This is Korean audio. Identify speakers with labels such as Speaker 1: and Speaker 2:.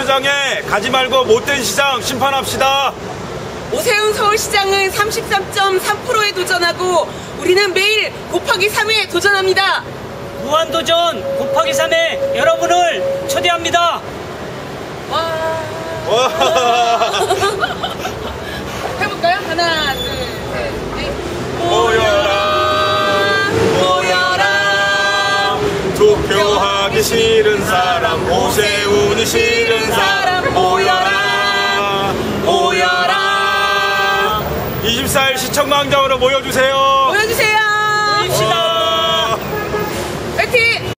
Speaker 1: 서울시장에 가지 말고 못된 시장 심판합시다.
Speaker 2: 오세훈 서울시장은 33.3%에 도전하고 우리는 매일 곱하기 3에 도전합니다.
Speaker 3: 무한도전 곱하기 3에 여러분을 초대합니다.
Speaker 2: 와. 해볼까요? 하나, 둘, 셋, 넷.
Speaker 1: 모여라 모여라 투표하기 싫은 사람 오세훈이 싫은 사람 모여라 모여라 24일 시청광장으로 모여주세요.
Speaker 2: 보여주세요.
Speaker 3: 모입시다.